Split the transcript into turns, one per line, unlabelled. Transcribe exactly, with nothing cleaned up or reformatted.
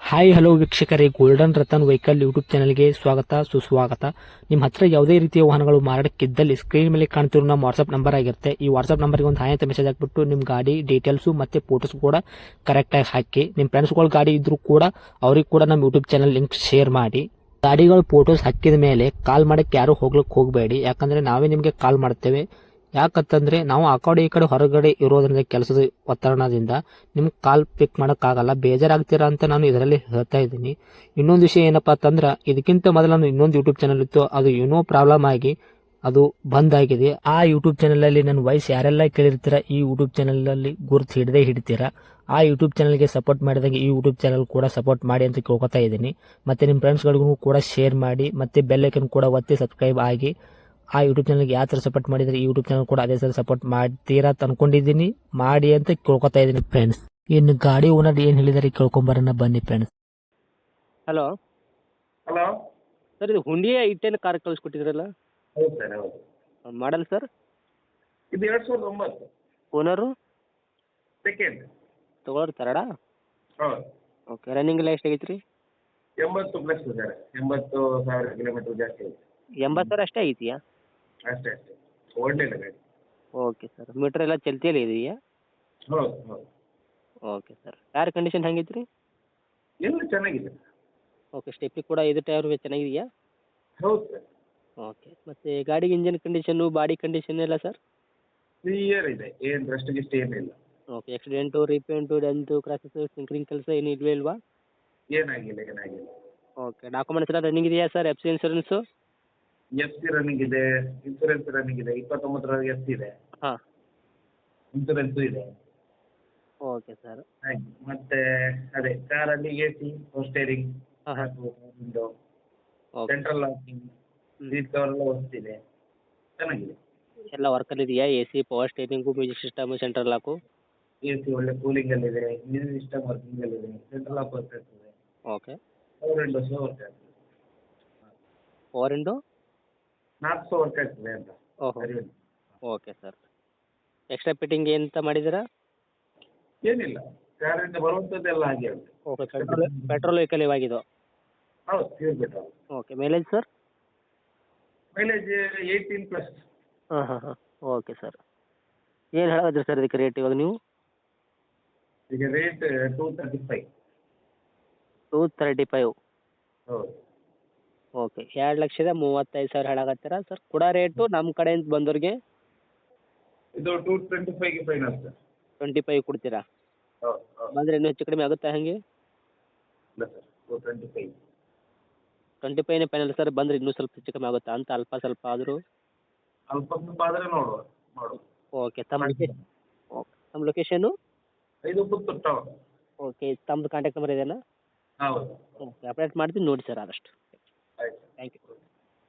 Hi hello ವೀಕ್ಷಕರೇ, golden Ratan vehicle YouTube ಚಾನಲ್ಗೆ ಸ್ವಾಗತ ಸುಸ್ವಾಗತ. ನಿಮ್ಮ ಹತ್ರ ಯಾವುದೇ ರೀತಿಯ ವಾಹನಗಳು ಮಾರಾಟಕ್ಕಿದ್ದಲ್ಲಿ ಸ್ಕ್ರೀನ್ ಮೇಲೆ ಕಾಣ್ತಿರೋ ನಮ್ಮ ವಾಟ್ಸ್ಆಪ್ ನಂಬರ್ ಆಗಿರುತ್ತೆ. ಈ ವಾಟ್ಸ್ಆಪ್ ನಂಬರ್ಗೆ ಒಂದು ಹಾಯ್ ಅಂತ ಮೆಸೇಜ್ ಹಾಕ್ಬಿಟ್ಟು ನಿಮ್ಮ ಗಾಡಿ ಡೀಟೇಲ್ಸು ಮತ್ತೆ ಫೋಟೋಸ್ ಕೂಡ ಕರೆಕ್ಟಾಗಿ ಹಾಕಿ. ನಿಮ್ಮ ಫ್ರೆಂಡ್ಸ್ಗಳ ಗಾಡಿ ಇದ್ರೂ ಕೂಡ ಅವ್ರಿಗೆ ಕೂಡ ನಮ್ಮ ಯೂಟ್ಯೂಬ್ ಚಾನಲ್ ಲಿಂಕ್ ಶೇರ್ ಮಾಡಿ. ಗಾಡಿಗಳು ಫೋಟೋಸ್ ಹಾಕಿದ ಮೇಲೆ ಕಾಲ್ ಮಾಡಕ್ಕೆ ಯಾರು ಹೋಗ್ಲಿಕ್ಕೆ ಹೋಗಬೇಡಿ, ಯಾಕಂದ್ರೆ ನಾವೇ ನಿಮಗೆ ಕಾಲ್ ಮಾಡ್ತೇವೆ. ಯಾಕಂತಂದ್ರೆ ನಾವು ಆ ಕಡೆ ಈ ಕಡೆ ಹೊರಗಡೆ ಇರೋದ್ರಿಂದ ಕೆಲಸದ ಒತ್ತಡದಿಂದ ನಿಮ್ಗೆ ಕಾಲ್ ಪಿಕ್ ಮಾಡೋಕ್ಕಾಗಲ್ಲ, ಬೇಜಾರಾಗ್ತೀರಾ ಅಂತ ನಾನು ಇದರಲ್ಲಿ ಹೇಳ್ತಾ ಇದ್ದೀನಿ. ಇನ್ನೊಂದು ವಿಷಯ ಏನಪ್ಪಾ ಅಂತಂದ್ರೆ, ಇದಕ್ಕಿಂತ ಮೊದಲು ನಾನು ಇನ್ನೊಂದು ಯೂಟ್ಯೂಬ್ ಚಾನಲ್ ಇತ್ತು, ಅದು ಏನೋ ಪ್ರಾಬ್ಲಮ್ ಆಗಿ ಅದು ಬಂದ್ ಆಗಿದೆ. ಆ ಯೂಟ್ಯೂಬ್ ಚಾನಲ್ ಅಲ್ಲಿ ನನ್ನ ವಾಯ್ಸ್ ಯಾರೆಲ್ಲ ಕೇಳಿರ್ತೀರಾ, ಈ ಯೂಟ್ಯೂಬ್ ಚಾನಲ್ ಅಲ್ಲಿ ಗುರುತು ಹಿಡದೆ ಹಿಡಿತೀರಾ. ಆ ಯೂಟ್ಯೂಬ್ ಚಾನಲ್ಗೆ ಸಪೋರ್ಟ್ ಮಾಡಿದಾಗ ಈ ಯೂಟ್ಯೂಬ್ ಚಾನಲ್ ಕೂಡ ಸಪೋರ್ಟ್ ಮಾಡಿ ಅಂತ ಕೇಳ್ಕೊತಾ ಇದ್ದೀನಿ. ಮತ್ತೆ ನಿಮ್ಮ ಫ್ರೆಂಡ್ಸ್ಗಳಿಗೂ ಕೂಡ ಶೇರ್ ಮಾಡಿ, ಮತ್ತೆ ಬೆಲ್ ಐಕನ್ ಕೂಡ ಒತ್ತಿ ಸಬ್ಸ್ಕ್ರೈಬ್ ಆಗಿ. ಆ ಯೂಟ್ಯೂಬ್ ಚಾನಲ್ಗೆ ಯಾವ ಥರ ಸಪೋರ್ಟ್ ಮಾಡಿದರೆ ಈ ಯೂಟ್ಯೂಬ್ ಚಾನಲ್ ಕೂಡ ಅದೇ ಥರ ಸಪೋರ್ಟ್ ಮಾಡ್ತೀರಾ ಅಂತ ಅನ್ಕೊಂಡಿದ್ದೀನಿ. ಮಾಡಿ ಅಂತ ಕೇಳ್ಕೊತಾ ಇದ್ದೀನಿ ಫ್ರೆಂಡ್ಸ್. ಇನ್ನು ಗಾಡಿ ಓನರ್ ಏನು ಹೇಳಿದಾರೆ ಕೇಳ್ಕೊಂಬರೋಣ ಬನ್ನಿ ಫ್ರೆಂಡ್ಸ್.
Hello
hello.
ಸರ್, ಇದು ಹುಂಡಿಯ ಐ ಟೆನ್ ಕಾರ್ ಕಳಿಸ್ಕೊಟ್ಟಿದ್ರಲ್ಲ,
ಹೌದು ಸರ್, ಹೌದು.
Model sir?
ಇದು ಎರಡು ಸಾವಿರದ ಒಂಬತ್ತು
ಓನರು
ಸೆಕೆಂಡ್.
ತೊಗೊಳೋರು ತರಡ?
ಹೌದು.
ಓಕೆ, ರನ್ನಿಂಗ್ ಎಲ್ಲ ಎಷ್ಟು ಆಗೈತೆ ರೀ?
ಎಂಬತ್ತು ಪ್ಲಸ್ ಸರ್, ಎಂಬತ್ತು ಸಾವಿರ ಕಿಲೋಮೀಟರ್ ಜಾಸ್ತಿ ಆಗಿದೆ.
ಎಂಬತ್ತು ಸಾವಿರ ಅಷ್ಟೇ ಐತಿಯಾ?
ಅಷ್ಟೇ ಅಷ್ಟೇ, ಒಳ್ಳೆಯದು ಗಾಡಿ.
ಓಕೆ ಸರ್, ಮೀಟ್ರ್ ಎಲ್ಲ ಚಲ್ತಿಯಲ್ಲಿ ಇದೆಯಾ?
ಹೌದು ಹೌದು.
ಓಕೆ ಸರ್, ಟೈರ್ ಕಂಡೀಷನ್ ಹೆಂಗೈತೆ ರೀ?
ಎಲ್ಲ ಚೆನ್ನಾಗಿದೆ.
ಓಕೆ, ಸ್ಟೆಪ್ಪಿ ಕೂಡ ಇದು ಟೈರ್ ಚೆನ್ನಾಗಿದೆಯಾ?
ಹೌದು ಸರ್.
ಓಕೆ, ಮತ್ತು ಗಾಡಿಗೆ ಇಂಜನ್ ಕಂಡೀಷನ್ನು ಬಾಡಿ ಕಂಡೀಷನ್ ಎಲ್ಲ ಸರ್?
ಕ್ಲಿಯರ್ ಇದೆ, ಏನು ರಸ್ಟ್ ಗಿಸ್ಟ್ ಏನಿಲ್ಲ.
ಓಕೆ, ಆಕ್ಸಿಡೆಂಟು ರೀಪೇಂಟು ಡೆಂತು ಕ್ರಾಸಸ್ ಸಿಂಕ್ರಿಂಗ್ ಕೆಲಸ ಏನು ಇಲ್ವೇ ಇಲ್ವಾ?
ಏನಾಗಿಲ್ಲ ಏನಾಗಿಲ್ಲ.
ಓಕೆ, ಡಾಕ್ಯುಮೆಂಟ್ಸ್ ಎಲ್ಲ ರನ್ನಿಂಗ್ ಇದೆಯಾ sir? F C insurance?
F C running ಇದೆ, ಇನ್ಸೂರೆನ್ಸ್ ರನ್ನಿಂಗ್ ಇದೆ, ಇಪ್ಪತ್ತೊಂಬತ್ತರವರೆಗೆ ಎಫ್ ಸಿ ಇದೆ,
ಹಾಂ.
ಇನ್ಸೂರೆನ್ಸು ಇದೆ.
Okay sir.
ಹಾಗೆ ಮತ್ತೆ ಅದೇ ಕಾರಲ್ಲಿ ಎ ಸಿ, ಸ್ಟೇರಿಂಗ್,
ಹಾಂ ಹಾಂ.
Window,
okay.
Central locking, seat cover ಎಲ್ಲ ಹೊಸ್ತಿದೆ, ಚೆನ್ನಾಗಿದೆ.
ಎಲ್ಲ ವರ್ಕಲ್ಲಿ ಇದೆಯಾ? A C, power steering, music system, central lock?
A C ಒಳ್ಳೆ ಕೂಲಿಂಗಲ್ಲಿದೆ, ಮ್ಯೂಸಿಕ್ ಸಿಸ್ಟಮ್ ವರ್ಕಿಂಗಲ್ಲಿದೆ, ಸೆಂಟ್ರಲ್ ಲಾಕ್ ವರ್ಕ್ ಆಗ್ತದೆ,
ಓಕೆ.
ಪವರ್ ವಿಂಡೋಸ್ ವರ್ಕ್ ಆಗ್ತದೆ,
ಪವರ್ ವಿಂಡೋ?
ನಾಲ್ಕು ಸಹ ವರ್ಕ್ ಆಗ್ತದೆ ಅಂತ.
ಓಹೋ.
ಸರಿ.
Okay sir. ಎಕ್ಸ್ಟ್ರಾ ಫಿಟ್ಟಿಂಗ್ ಎಂತ ಮಾಡಿದ್ದೀರಾ?
ಏನಿಲ್ಲ, ಕಾರಿಂದ ಬರುವಂಥದ್ದೆಲ್ಲ ಹಾಗೆ ಉಂಟು.
ಓಕೆ, ಪೆಟ್ರೋಲ್ ಪೆಟ್ರೋಲ್ ವೆಹಿಕಲ್ ಇವಾಗಿದು?
ಹೌದು, pure petrol.
Okay, mileage sir?
Mileage eighteen plus.
ಹಾಂ ಹಾಂ ಹಾಂ. Okay sir. ಏನು ಹೇಳೋದ್ರಿ ಸರ್ ಇದಕ್ಕೆ ರೇಟ್ ಇವಾಗ ನೀವು?
ಈಗ rate two thirty five.
Two thirty five.
ಹೌದು.
ಓಕೆ, ಎರಡು ಲಕ್ಷದ ಮೂವತ್ತೈದು ಸಾವಿರ ಹೇಳಾಕತ್ತೀರಾ ಸರ್? ಕೊಡೋ ರೇಟು ನಮ್ಮ ಕಡೆಯಿಂದ ಬಂದವ್ರಿಗೆ
ಇದು ಟೂ ಟ್ವೆಂಟಿ ಫೈವ್ಗೆ ಫೈನಲ್ ಸರ್.
ಟ್ವೆಂಟಿ ಫೈವ್ ಕೊಡ್ತೀರಾ?
ಹೌದು ಹೌದು.
ಬಂದರೆ ಇನ್ನೂ ಹೆಚ್ಚು ಕಡಿಮೆ ಆಗುತ್ತಾ ಹೇಗೆ?
ಇಲ್ಲ sir, two twenty five.
Twenty ಫೈವ್ನೇ ಫೈನಲ್ ಸರ್, ಬಂದರೆ ಇನ್ನೂ ಸ್ವಲ್ಪ ಹೆಚ್ಚು ಕಮ್ಮಿ ಆಗುತ್ತಾ ಅಂತ, ಅಲ್ಪ ಸ್ವಲ್ಪ ಆದರೂ?
ಅಲ್ಪ ಸ್ವಲ್ಪ ಆದರೆ ನೋಡುವ ಮಾಡುವ.
ಓಕೆ, ತಮ್ಮ ಲೊಕೇಶನ್? ಓಕೆ, ತಮ್ಮ ಲೊಕೇಶನು?
ಇದು ಪುತ್ತೂರು ಟೌನ್.
ಓಕೆ, ತಮ್ಮದು ಕಾಂಟ್ಯಾಕ್ಟ್ ನಂಬರ್ ಇದೆಯಾ?
ಹೌದು.
ಓಕೆ, ಅಪ್ಡೇಟ್ ಮಾಡ್ತೀನಿ ನೋಡಿ ಸರ್ ಆದಷ್ಟು.
ಆಯ್ತು.
Thank you.